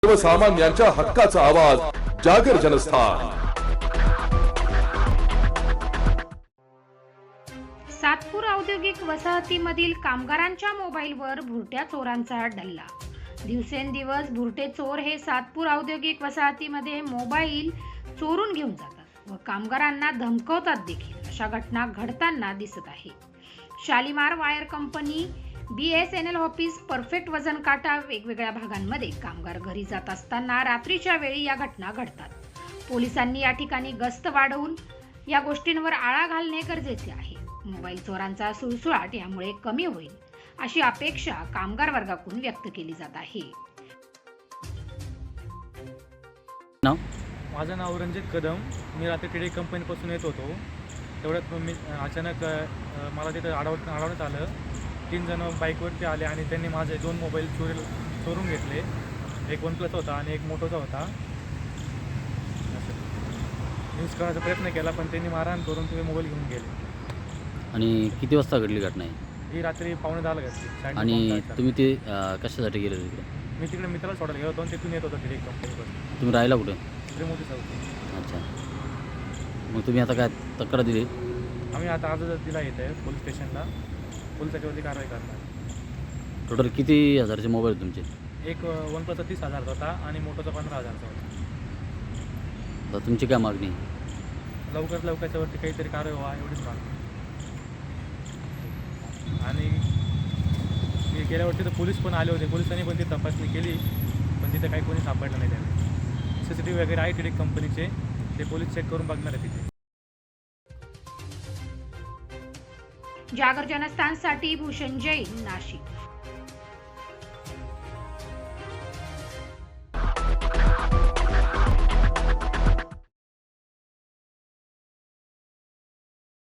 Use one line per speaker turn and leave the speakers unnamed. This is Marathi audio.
सर्वसामान्यांच्या हक्काचा आवाज जागर जनस्थान।
सातपूर औद्योगिक वसाहतीमधील कामगारांच्या मोबाईलवर भुरट्या चोरांचा डल्ला। दिवसेंदिवस भुरटे चोर हे सातपूर औद्योगिक वसाहतीमध्ये मोबाईल चोरून घेऊन जातात व कामगारांना धमकावतात देखील। अशा घटना घडताना दिसत आहे। Shalimar wire company, BSNL office, perfect वजन काटा वेगवेगळ्या भागांमध्ये कामगार घरी जात असताना रात्रीच्या वेळी या घटना घडतात। पोलिसांनी या ठिकाणी गस्त वाढवून या गोष्टींवर आळा घालणे गरजेचे आहे। मोबाईल चोरांचा सुळसुळाट यामुळे कमी होईल अशी अपेक्षा कामगार वर्गाकडून व्यक्त केली जात आहे।
माझं नाव रणजित कदम। मी रात्री टीडी कंपनीपासून येत होतो। तेवढ्यात मी अचानक मला तिथं अडवण्यात आलं। 3 जण बाईकवरती आले आणि त्यांनी माझे 2 मोबाईल चोरून घेतले। एक OnePlus होता आणि एक मोटोचा होता। यूज करण्याचा प्रयत्न केला पण त्यांनी मारहाण करून तुम्ही मोबाईल घेऊन गेले।
आणि किती वाजता घडली घटना आहे?
ही रात्री 9:45 घडली।
आणि तुम्ही ते कशासाठी गेले तिकडे?
मी तिकडे मित्राला सोडायला गेलो होतो आणि तिथून येत होतो टीडी कंपनीपासून।
तुम्ही राहायला कुठे?
मोठी चौक।
अच्छा, मग तुम्ही आता काय तक्रार दिली?
आम्ही आता अर्ज दिला येत आहे पोलीस स्टेशनला। पोलीस त्याच्यावरती कारवाई करणार।
टोटल किती हजारचे मोबाईल तुमचे?
एक OnePlus 30,000 होता आणि मोटोचा 15,000 होता।
तर तुमची काय मागणी?
लवकरात लवकरच्यावरती काहीतरी कारवाई व्हावा एवढीच मागणी। आणि मी गेल्यावरती तर पोलीस पण आले होते। पोलिसांनी पण ती तपासणी केली पण तिथे काही कोणी सापडलं नाही। त्यावेळी CCTV वगैरे आहे टीडी कंपनीचे, ते पोलीस चेक करून बघणार आहे तिथे।
जागर जनस्थानसाठी भूषण जैन, नाशिक।